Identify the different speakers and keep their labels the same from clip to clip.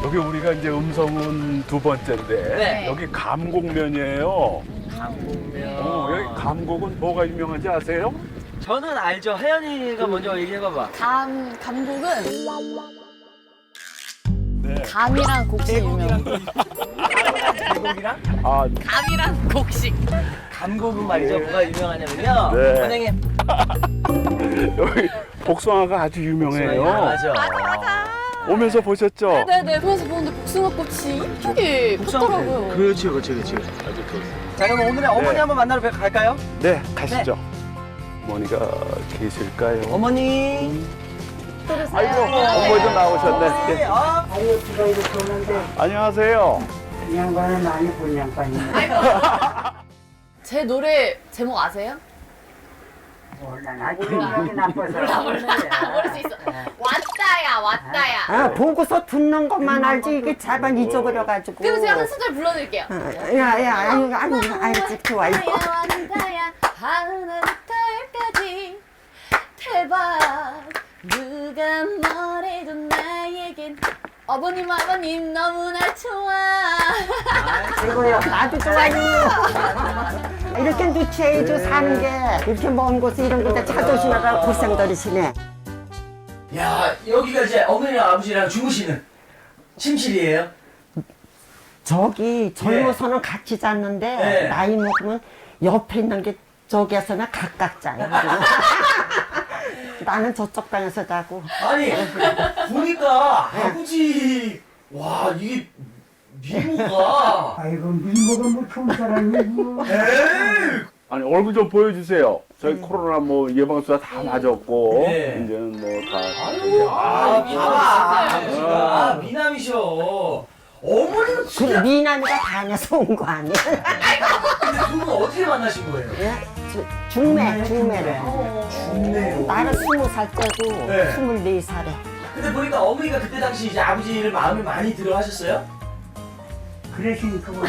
Speaker 1: 여기 우리가 이제 음성은 두 번째인데
Speaker 2: 네.
Speaker 1: 여기 감곡면이에요.
Speaker 2: 감곡면.
Speaker 1: 여기 감곡은 뭐가 유명한지 아세요?
Speaker 2: 저는 알죠. 혜연이가 먼저 얘기해봐봐.
Speaker 3: 감곡은
Speaker 1: 네.
Speaker 3: 감이랑 곡식 유명.
Speaker 2: 계곡이랑
Speaker 1: 아,
Speaker 3: 감이랑 곡식.
Speaker 2: 감곡은 말이죠. 뭐가 유명하냐면요.
Speaker 1: 네.
Speaker 2: 선생님.
Speaker 1: 여기 복숭아가 아주 유명해요.
Speaker 2: 맞아.
Speaker 1: 오면서 보셨죠?
Speaker 3: 네네. 그래서 보는데 복숭아꽃이 이쁘게 폈더라고요.
Speaker 2: 그렇지. 자, 그럼 오늘의 어머니
Speaker 1: 네.
Speaker 2: 한번 만나러 갈까요?
Speaker 1: 네, 가시죠. 어머니가 계실까요?
Speaker 2: 어머니.
Speaker 1: 아이고, 어머니도 나오셨네.
Speaker 2: 어머니.
Speaker 1: 예.
Speaker 4: 아유, 비가 이렇게 오는데
Speaker 1: 안녕하세요.
Speaker 4: 이 양반은 많이 본 양반이네.
Speaker 3: 제 노래 제목 아세요?
Speaker 4: 몰라, 나 기억이 나빠서.
Speaker 3: 모를 수 있어. 왔다야.
Speaker 4: 아, 보고서 듣는 것만 알지 이게 잘만 잊어버려가지고.
Speaker 3: 그럼 제가 한 소절 불러드릴게요.
Speaker 4: 야, 아유, 알지, 좋아, 이거.
Speaker 3: 왔다야 하늘달까지 대박 누가 뭐래도 나에겐 아버님 너무나 좋아.
Speaker 4: 이거요, 나도 좋아요. 이렇게 누추해줘 사는 게 이렇게 먼 곳에 이런 곳에 차 조심하라 고생들이시네.
Speaker 2: 야, 여기가 이제 어머니랑 아버지랑 주무시는 침실이에요?
Speaker 4: 저기 젊어서는 같이 잤는데
Speaker 2: 네.
Speaker 4: 나이 먹으면 옆에 있는 게 저기에서는 각각 자요. 나는 저쪽 방에서 자고.
Speaker 2: 아니, 보니까 아버지, 와, 이게 미모가.
Speaker 4: 아이고 미모가 뭐 좋은 사람이고.
Speaker 2: 에이!
Speaker 1: 아니, 얼굴 좀 보여주세요. 저희 코로나 뭐 예방수사 다 맞았고,
Speaker 2: 네.
Speaker 1: 이제는 뭐 다.
Speaker 2: 아유, 봐봐. 아버지가 미남이셔. 어머니는
Speaker 4: 그
Speaker 2: 진짜.
Speaker 4: 미남이가 다녀서 온 거 아니야?
Speaker 2: 근데 두 분은 어떻게 만나신 거예요?
Speaker 4: 예? 중매를.
Speaker 2: 좋네요.
Speaker 4: 나는 20살 때고
Speaker 2: 네.
Speaker 4: 24살에.
Speaker 2: 근데 보니까 어머니가 그때 당시 이제 아버지를 마음에 많이 들어 하셨어요?
Speaker 4: 그러시니까 뭐.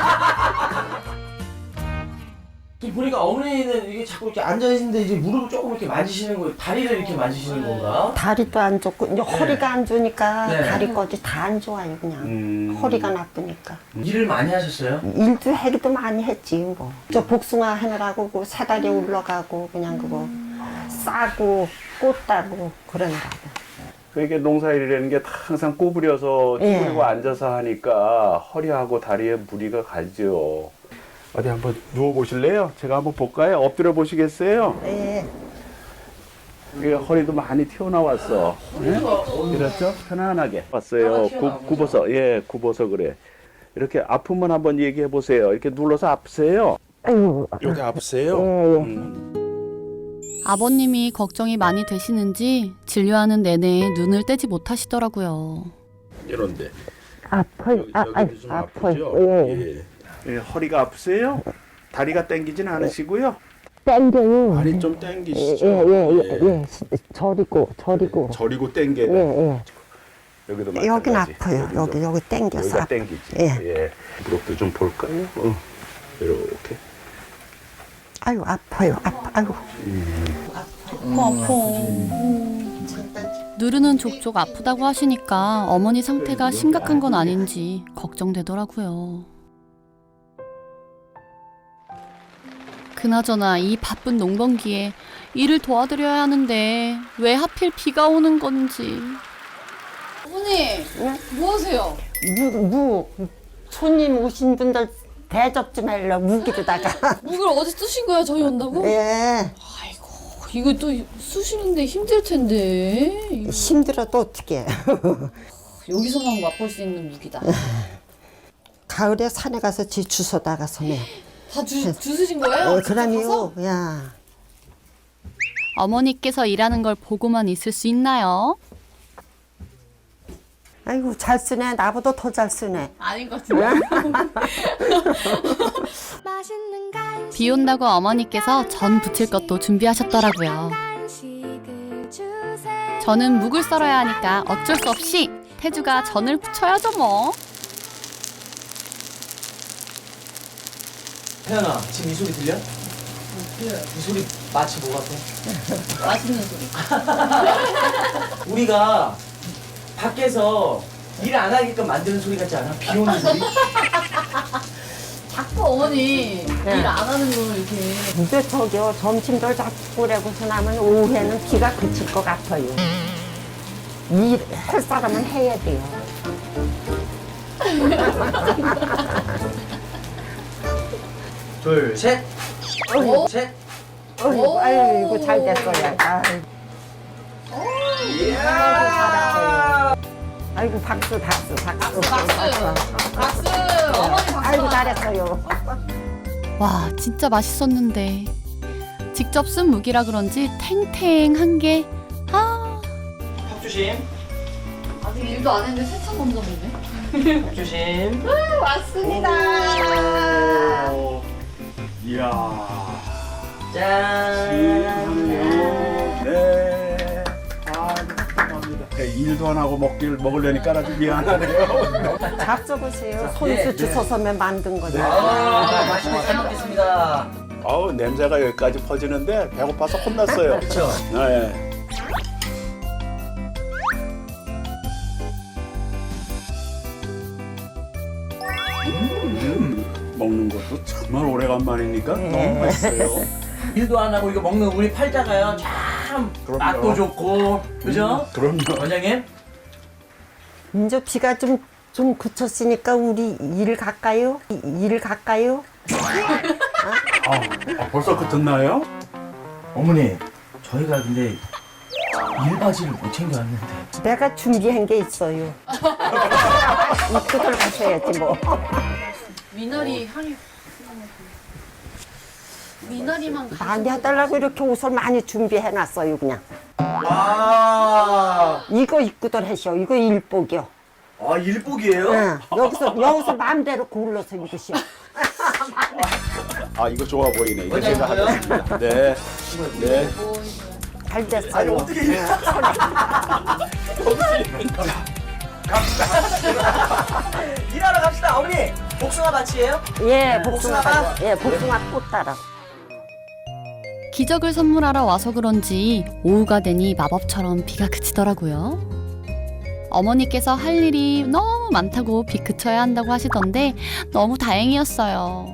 Speaker 2: 지금 보니까 어머니는 이게 자꾸 이렇게 앉아있는데 이제 무릎을 조금 이렇게 만지시는 거예요. 다리를 이렇게 만지시는 건가?
Speaker 4: 다리도 안 좋고 이제 허리가 안 좋으니까
Speaker 2: 네.
Speaker 4: 다리까지 다 안 좋아요 그냥. 허리가 나쁘니까.
Speaker 2: 일을 많이 하셨어요?
Speaker 4: 일도 해기도 많이 했지 뭐. 저 복숭아 하느라고 그 사다리 올라가고 그냥 그거 싸고 꽃 따고 그러느라고.
Speaker 1: 그게 농사일이라는 게 항상 구부려서
Speaker 4: 예.
Speaker 1: 쭈그리고 앉아서 하니까 허리하고 다리에 무리가 가죠. 어디 한번 누워보실래요? 제가 한번 볼까요? 엎드려 보시겠어요?
Speaker 4: 예.
Speaker 1: 이게 허리도 많이 튀어나왔어. 예? 이렇죠? 편안하게 왔어요. 굽어서, 예, 굽어서 그래. 이렇게 아프면 한번 얘기해 보세요. 이렇게 눌러서 아프세요?
Speaker 4: 아이고.
Speaker 1: 여기 아프세요?
Speaker 5: 아버님이 걱정이 많이 되시는지 진료하는 내내 눈을 떼지 못하시더라고요.
Speaker 1: 이런데.
Speaker 4: 아파요.
Speaker 1: 여기도 좀 아프죠? 예. 예, 허리가 아프세요? 다리가 땡기진 않으시고요?
Speaker 4: 땡겨요.
Speaker 1: 다리 좀 땡기시죠?
Speaker 4: 예. 저리고.
Speaker 1: 저리고 땡겨요.
Speaker 4: 예.
Speaker 1: 여기도
Speaker 4: 여긴
Speaker 1: 마찬가지.
Speaker 4: 아파요. 여기 땡겨서.
Speaker 1: 여기가
Speaker 4: 아파요.
Speaker 1: 땡기지.
Speaker 4: 예.
Speaker 1: 예. 무릎도 좀 볼까요? 이렇게.
Speaker 4: 아유 아파요. 아유.
Speaker 5: 누르는 족족 아프다고 하시니까 어머니 상태가 심각한 건 아닌지 걱정되더라고요. 그나저나 이 바쁜 농번기에 일을 도와드려야 하는데 왜 하필 비가 오는 건지.
Speaker 3: 어머니 뭐 하세요?
Speaker 4: 손님 오신 분들 대접 좀 하려 무기로다가.
Speaker 3: 묵을 어디 쓰신 거야 저희 온다고?
Speaker 4: 예.
Speaker 3: 아이고 이거 또 쑤시는데 힘들 텐데. 이거
Speaker 4: 힘들어도 어떻게.
Speaker 3: 여기서만 맛볼 수 있는 묵이다.
Speaker 4: 가을에 산에 가서 지 주워다가 섬에.
Speaker 3: 다 주스신 거예요?
Speaker 4: 그럼요. 야.
Speaker 5: 어머니께서 일하는 걸 보고만 있을 수 있나요?
Speaker 4: 아이고 잘 쓰네. 나보다 더 잘 쓰네.
Speaker 3: 아닌 것 같은데.
Speaker 5: 비 온다고 어머니께서 전 부칠 것도 준비하셨더라고요. 저는 묵을 썰어야 하니까 어쩔 수 없이 태주가 전을 부쳐야죠 뭐.
Speaker 2: 혜연아, 지금 이 소리 들려? 이 소리 마치 뭐 같아?
Speaker 3: 맛있는 소리.
Speaker 2: 우리가 밖에서 일 안 하게끔 만드는 소리 같지 않아? 비 오는 소리?
Speaker 3: 자꾸 어머니 일 안 하는 걸 이렇게.
Speaker 4: 이제 저기요 점심들 자꾸 그러고서 나면 오후에는 비가 그칠 것 같아요. 일할 사람은 해야 돼요.
Speaker 2: 둘, 셋.
Speaker 3: 오.
Speaker 2: 셋.
Speaker 4: 어이구, 아이고 잘 됐어요. 아이고,
Speaker 2: 이야.
Speaker 4: 아이고 박수 박수 박수
Speaker 3: 박수. 어머니 박수.
Speaker 4: 아이고 잘했어요.
Speaker 5: 와, 진짜 맛있었는데. 직접 쓴 무기라 그런지 탱탱한 게, 아,
Speaker 2: 턱 조심.
Speaker 3: 아직 일도 안 했는데 세차 먼저 보네.
Speaker 2: 턱 조심.
Speaker 3: 왔습니다.
Speaker 1: 오. 이야.
Speaker 2: 짠.
Speaker 1: 네. 아, 감사합니다. 일도 안 하고 먹으려니까 아주 미안하네요.
Speaker 4: 잡숴보세요. 손수
Speaker 2: 네,
Speaker 4: 주워서면 만든 거죠.
Speaker 2: 맛있게 잘 먹겠습니다.
Speaker 1: 아우, 냄새가 여기까지 퍼지는데 배고파서 혼났어요.
Speaker 2: 그렇죠.
Speaker 1: 네. 먹는 것도 정말 오래간만이니까 너무 맛있어요.
Speaker 2: 일도 안 하고 이거 먹는 우리 팔자가요. 참
Speaker 1: 그럼요.
Speaker 2: 맛도 좋고, 그죠?
Speaker 1: 그럼요.
Speaker 2: 원장님?
Speaker 4: 이제 비가 좀 그쳤으니까 우리 일 갈까요? 일 갈까요?
Speaker 1: 벌써 끝났나요?
Speaker 2: 어머니, 저희가 근데 일바지를 못 챙겨왔는데.
Speaker 4: 내가 준비한 게 있어요. 입고 들어가셔야지 뭐.
Speaker 3: 미나리 향이. 미나리만
Speaker 4: 많이 해달라고 이렇게 옷을 많이 준비해놨어요 그냥.
Speaker 2: 와,
Speaker 4: 이거 입고들 하셔. 이거 일복이요.
Speaker 2: 아, 일복이에요?
Speaker 4: 응. 여기서 마음대로 골라서 입으시오.
Speaker 1: 아, 이거 좋아 보이네. 이거
Speaker 2: 원장님
Speaker 1: 제가
Speaker 2: 뭐요?
Speaker 1: 하겠습니다. 네. 네.
Speaker 4: 잘 됐어요.
Speaker 2: 아니, 어떻게 이래? 일하러 갑시다, 어머니. 복숭아 밭이에요?
Speaker 4: 예, 복숭아
Speaker 2: 복숭아가?
Speaker 4: 가져. 예, 복숭아 꽃 따라.
Speaker 5: 기적을 선물하러 와서 그런지 오후가 되니 마법처럼 비가 그치더라고요. 어머니께서 할 일이 너무 많다고 비 그쳐야 한다고 하시던데 너무 다행이었어요.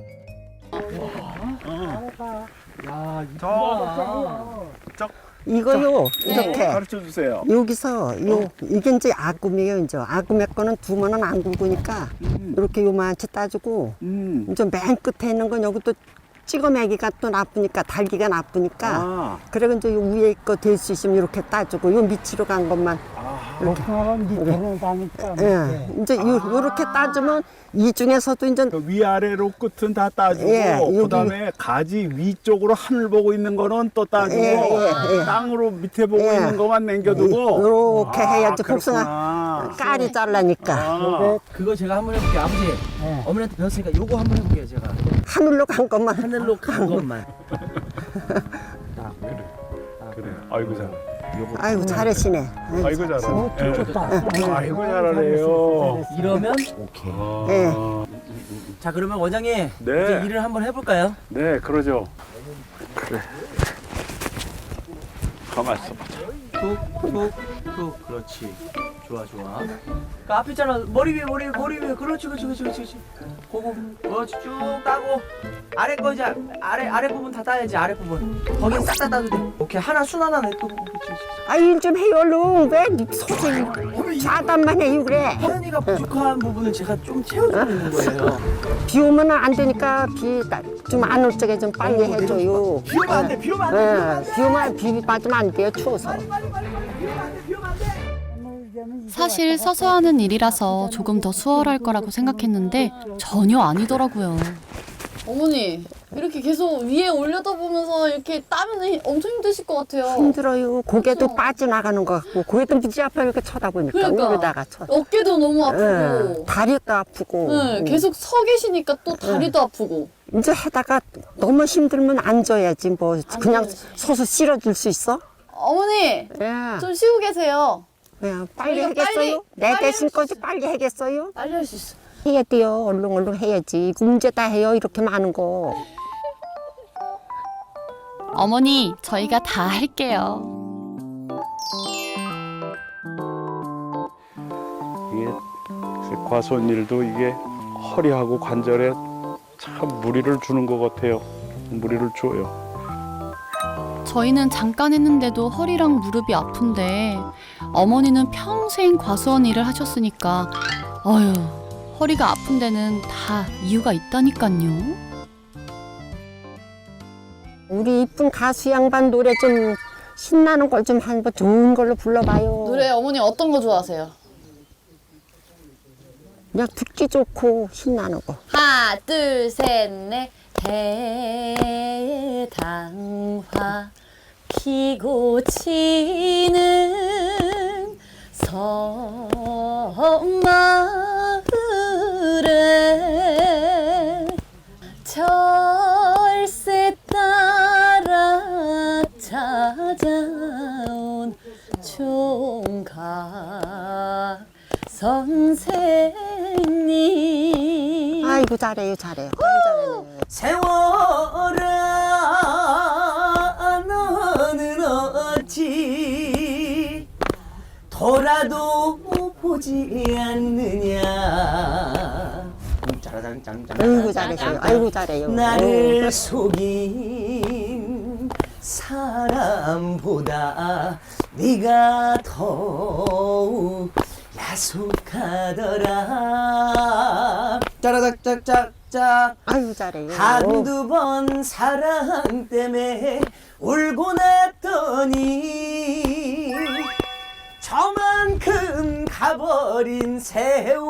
Speaker 4: 이거요, 이렇게.
Speaker 1: 가르쳐 주세요.
Speaker 4: 여기서 이게 이제 아구미예요. 이제 아구미 거는 두면은 안 굵으니까 이렇게 요만치 따주고 이제 맨 끝에 있는 건 여기 또 찍어매기가 또 나쁘니까 달기가 나쁘니까
Speaker 1: 아.
Speaker 4: 그래서 이제 요 위에 거 될 수 있으면 이렇게 따주고 요 밑으로 간 것만 예, 이제 요렇게 따주면 이 중에서도 이제
Speaker 1: 그 위아래로 끝은 다 따주고
Speaker 4: 예, 여기.
Speaker 1: 그다음에 가지 위쪽으로 하늘 보고 있는 거는 또 따주고
Speaker 4: 예.
Speaker 1: 땅으로 밑에 보고
Speaker 4: 예.
Speaker 1: 있는 것만 남겨두고
Speaker 4: 요렇게 해야지 복숭아
Speaker 1: 그렇구나.
Speaker 4: 깔이 잘라니까
Speaker 1: 아.
Speaker 2: 그거 제가 한번 해볼게요, 아버지. 어머니한테 배웠으니까 요거 한번 해볼게요, 제가.
Speaker 4: 하늘로 간 것만
Speaker 2: 하늘로 간 것만.
Speaker 1: 그래. 아이고 잘.
Speaker 4: 아이고 잘하시네.
Speaker 1: 아이고 잘하네. 아이고 잘하네요.
Speaker 2: 이러면 오케이.
Speaker 4: 예.
Speaker 2: 자, 그러면 원장님
Speaker 1: 네.
Speaker 2: 이제 일을 한번 해볼까요?
Speaker 1: 네, 그러죠. 그래. 가만 있어 봐.
Speaker 2: 툭툭툭 그렇지. 좋아. 그 앞에 있잖아. 머리 위에 그렇지. 그거 그렇지 쭉 따고 아래 거 이제 아래 부분 다 따야지. 아래 부분 거긴 싹 다 따도 돼. 오케이, 하나 순 하나 내 또. 그렇지.
Speaker 4: 아 일 좀 해요 얼른. 왜 소리 자단만 해요 그래.
Speaker 2: 혜연이가 부족한 부분을 제가 좀 채워주고 있는 거예요.
Speaker 4: 비 오면 안 되니까 비 좀 안 올 적에 좀 빨리 해줘요.
Speaker 2: 비 오면 안 돼. 비 오면 안 돼.
Speaker 4: 비 오면 비 맞으면 안 돼요 추워서.
Speaker 5: 사실 서서 하는 일이라서 조금 더 수월할 거라고 생각했는데 전혀 아니더라고요.
Speaker 3: 어머니 이렇게 계속 위에 올려다 보면서 이렇게 따면 엄청 힘드실 것 같아요.
Speaker 4: 힘들어요. 고개도 빠져나가는 것 같고 고개도 무지 아파요 이렇게 쳐다보니까
Speaker 3: 그러니까.
Speaker 4: 위로다가 쳐.
Speaker 3: 어깨도 너무 아프고.
Speaker 4: 예, 다리도 아프고.
Speaker 3: 네, 계속 서 계시니까 또 다리도 아프고.
Speaker 4: 이제 하다가 너무 힘들면 앉아야지 뭐 그냥 서서 실어줄 수 있어?
Speaker 3: 어머니
Speaker 4: 예.
Speaker 3: 좀 쉬고 계세요.
Speaker 4: 예, 빨리
Speaker 3: 이거
Speaker 4: 하겠어요? 내
Speaker 3: 빨리
Speaker 4: 대신
Speaker 3: 할 수
Speaker 4: 거지 빨리 하겠어요?
Speaker 3: 빨리 할 수 있어.
Speaker 4: 해야 돼요. 얼른 해야지. 문제 다 해요. 이렇게 많은 거.
Speaker 5: 어머니, 저희가 다 할게요.
Speaker 1: 과손일도 이게 허리하고 관절에 참 무리를 주는 것 같아요. 무리를 줘요.
Speaker 5: 저희는 잠깐 했는데도 허리랑 무릎이 아픈데 어머니는 평생 과수원 일을 하셨으니까 어휴, 허리가 아픈 데는 다 이유가 있다니까요.
Speaker 4: 우리 이쁜 가수 양반 노래 좀 신나는 걸 좀 한번 좋은 걸로 불러봐요.
Speaker 3: 노래 어머니 어떤 거 좋아하세요?
Speaker 4: 그냥 듣기 좋고 신나는 거.
Speaker 3: 하나, 둘, 셋, 넷. 해당화 피고 치는 섬마을에 철새 따라 찾아온 총각 선생님.
Speaker 4: 아이고 잘해요 잘해요. 아이고 잘해요.
Speaker 2: 세월아 너는 어찌 돌아도 보지 않느냐. 짜라장짱짱.
Speaker 4: 아이고 잘하세요. 아이고 잘해요.
Speaker 2: 나를 속인 사람보다 네가 더욱 야속하더라. 짜라작짝짝짝.
Speaker 4: 아이고 잘해요.
Speaker 2: 한두 번 사랑 때문에 울고 났더니 저만큼 가버린 세월.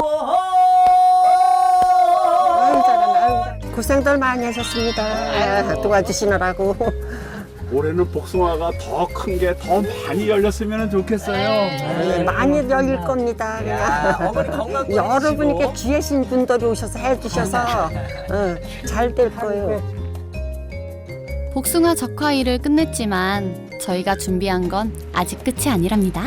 Speaker 4: 아이고 잘하네. 아이고 잘해. 고생들 많이 하셨습니다. 도와주시느라고.
Speaker 1: 올해는 복숭아가 더 큰 게 더 많이 열렸으면 좋겠어요.
Speaker 4: 많이 열릴 겁니다.
Speaker 2: 야,
Speaker 4: 그냥.
Speaker 2: 어머니 건강
Speaker 4: 여러분 이렇게
Speaker 2: 꺼내시고.
Speaker 4: 귀하신 분들이 오셔서 해주셔서 잘 될 거예요.
Speaker 5: 복숭아 적화일을 끝냈지만 저희가 준비한 건 아직 끝이 아니랍니다.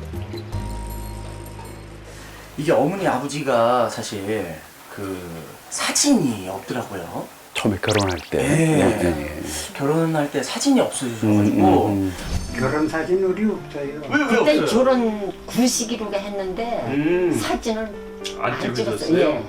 Speaker 2: 이게 어머니 아버지가 사실 그 사진이 없더라고요.
Speaker 1: 처음에 결혼할 때.
Speaker 2: 네. 결혼할 때 사진이 없어져가지고.
Speaker 6: 결혼 사진 우리 없어요.
Speaker 2: 왜
Speaker 4: 그때
Speaker 2: 없어요?
Speaker 4: 결혼 구식이로 했는데 사진을 안 찍었어요. 예.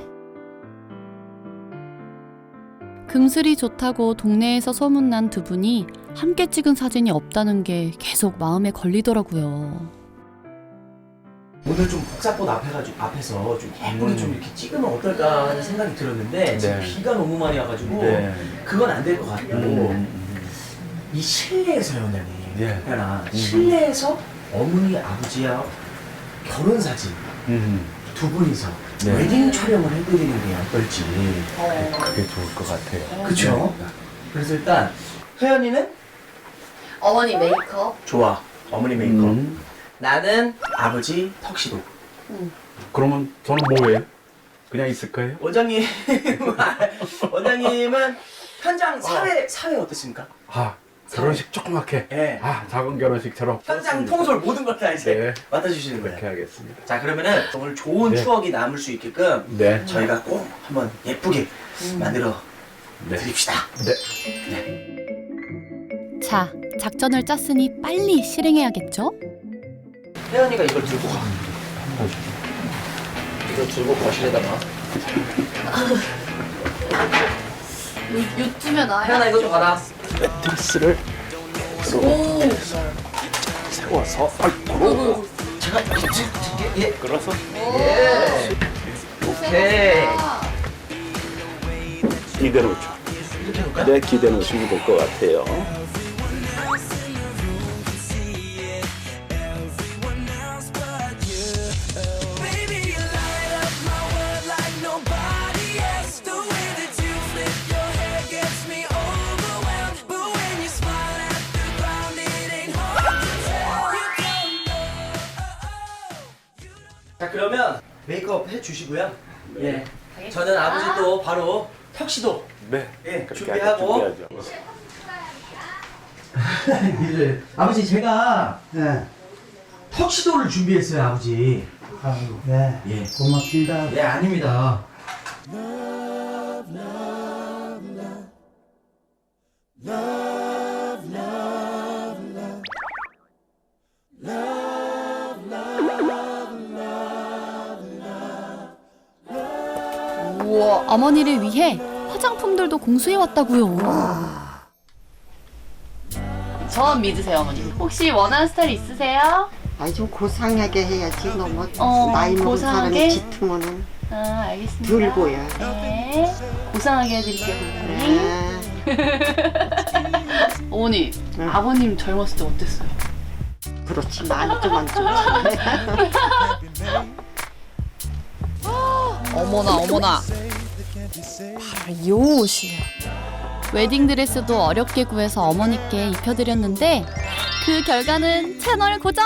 Speaker 5: 금슬이 좋다고 동네에서 소문난 두 분이 함께 찍은 사진이 없다는 게 계속 마음에 걸리더라고요.
Speaker 2: 오늘 좀 복사꽃 앞에서 좀 예쁘게 좀 이렇게 찍으면 어떨까 하는 생각이 들었는데 지금
Speaker 1: 네.
Speaker 2: 비가 너무 많이 와가지고
Speaker 1: 네.
Speaker 2: 그건 안 될 것 같고 이 실내에서요, 원장님.
Speaker 1: 예.
Speaker 2: 하나 실내에서 어머니 아버지와 결혼 사진 두 분이서
Speaker 1: 네.
Speaker 2: 웨딩 촬영을 해드리는 게 어떨지.
Speaker 1: 그게 좋을 것 같아요.
Speaker 2: 그쵸? 그래서 일단 혜연이는
Speaker 3: 어머니 메이크업.
Speaker 2: 좋아, 어머니 메이크업. 나는 아버지 턱시도.
Speaker 1: 그러면 저는 뭐예요? 그냥 있을 거예요?
Speaker 2: 원장님은 현장 사회 어떻습니까?
Speaker 1: 아, 결혼식 조그맣게.
Speaker 2: 네.
Speaker 1: 아, 작은 결혼식처럼.
Speaker 2: 현장 통솔 모든 걸 다 이제
Speaker 1: 네.
Speaker 2: 맡아주시는
Speaker 1: 그렇게
Speaker 2: 거예요.
Speaker 1: 하겠습니다.
Speaker 2: 자, 그러면은 오늘 좋은
Speaker 1: 네.
Speaker 2: 추억이 남을 수 있게끔
Speaker 1: 네.
Speaker 2: 저희가 꼭 한번 예쁘게 만들어
Speaker 1: 네.
Speaker 2: 드립시다.
Speaker 1: 네.
Speaker 5: 자, 작전을 짰으니 빨리 실행해야겠죠?
Speaker 2: 혜연이가 이걸 들고 가. 이걸 들고 거실에다가.
Speaker 3: 요쯤에 나야.
Speaker 2: 혜연아 이거 좀 받아.
Speaker 1: 매트리스를
Speaker 3: 오.
Speaker 1: 세워서 아이고
Speaker 2: 제가 예.
Speaker 1: 끌어서
Speaker 2: 예. 오케이.
Speaker 1: 기대 놓죠.
Speaker 2: 이렇게 해볼까요?
Speaker 1: 네, 기대 놓으시면 될 것 같아요.
Speaker 2: 자, 그러면 메이크업 해주시고요. 예. 저는 아버지 또 바로 턱시도
Speaker 1: 네.
Speaker 2: 예,
Speaker 1: 그렇게
Speaker 2: 준비하고.
Speaker 1: 준비하죠.
Speaker 2: 아버지 제가
Speaker 6: 네.
Speaker 2: 턱시도를 준비했어요, 아버지.
Speaker 6: 아유, 네.
Speaker 2: 예.
Speaker 6: 고맙습니다.
Speaker 2: 예, 아닙니다.
Speaker 3: 우와.
Speaker 5: 어머니를 위해 화장품들도 공수해 왔다고요.
Speaker 3: 저 믿으세요, 어머니. 혹시 원하는 스타일 있으세요?
Speaker 4: 아니 좀 고상하게 해야지 너무
Speaker 3: 나이 먹은 고상하게?
Speaker 4: 사람이 짙으면은
Speaker 3: 알겠습니다.
Speaker 4: 덜 보여.
Speaker 3: 네. 고상하게 해드릴게요, 어머니. 어머니, 아버님 젊었을 때 어땠어요?
Speaker 4: 그렇지 만족.
Speaker 3: 어머나. 바로 이 옷이에요.
Speaker 5: 웨딩드레스도 어렵게 구해서 어머니께 입혀드렸는데 그 결과는 채널 고정!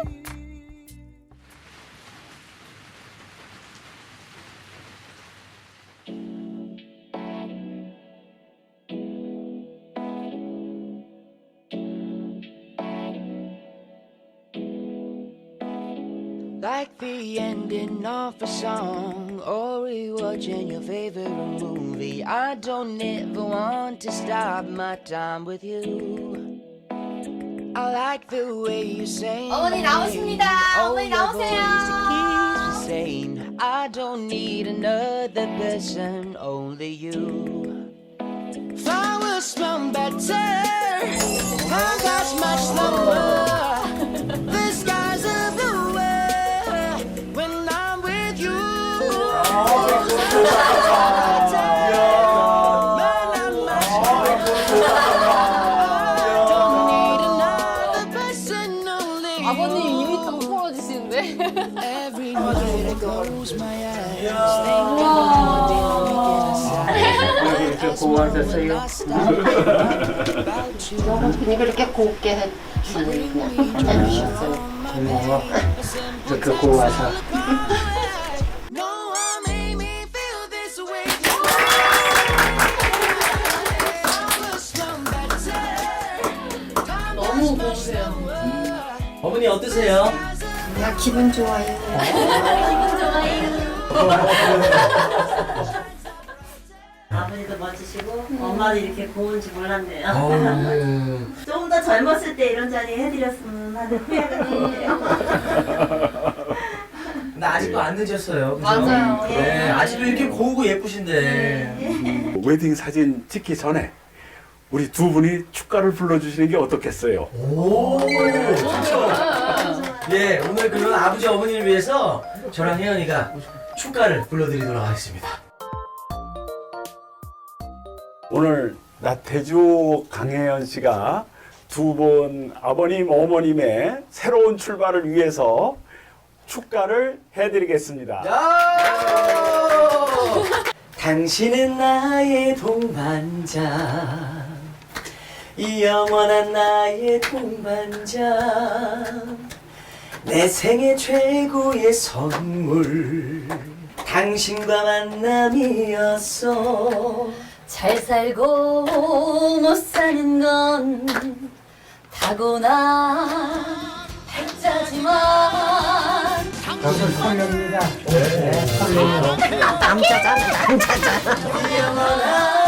Speaker 7: Like the ending of a song or rewatching your favorite movie. I don't ever want to stop my time with you. I like the way you say
Speaker 3: 어머니 나오십니다. 어머니 나오세요.
Speaker 7: I don't need another person, only you. Flowers smell better, time goes much slower. The skies are bluer when I'm with you. Don't need another person, only you.
Speaker 3: 아버님 입이 딱 벌어지시는데?
Speaker 7: Every night I close my eyes, think about
Speaker 6: 이렇게 고하셨어요?
Speaker 4: 그냥 그렇게 곱게 해주셨어요.
Speaker 6: 고마워. 이렇게 고와서.
Speaker 7: No one made me feel this way.
Speaker 3: 너무 고우세요.
Speaker 2: 어머니 어떠세요?
Speaker 4: 야 기분 좋아요.
Speaker 8: 아버지도 멋지시고 엄마도 이렇게 고운지 몰랐네요.
Speaker 2: 어우.
Speaker 8: 좀 더 젊었을 때 이런 자리 해드렸으면 하는 후회가 드네요.
Speaker 2: 근데 아직도 안 늦었어요. 그죠?
Speaker 3: 맞아요.
Speaker 2: 네, 아직도 이렇게 고우고 예쁘신데.
Speaker 1: 웨딩 사진 찍기 전에 우리 두 분이 축가를 불러주시는 게 어떻겠어요?
Speaker 2: 오, 좋죠. 예, 오늘 그런 아버지 어머니를 위해서 저랑 혜연이가 축가를 불러드리도록 하겠습니다.
Speaker 1: 오늘 나태주 강혜연 씨가 두 분 아버님 어머님의 새로운 출발을 위해서 축가를 해드리겠습니다.
Speaker 2: 당신은 나의 동반자, 영원한 나의 동반자, 내 생애 최고의 선물, 당신과 만남이었어.
Speaker 3: 잘 살고 못 사는 건 타고난 백자지만
Speaker 6: 저는 설렙니다. 네, 설렙.
Speaker 4: 남자잖아.
Speaker 3: 영원한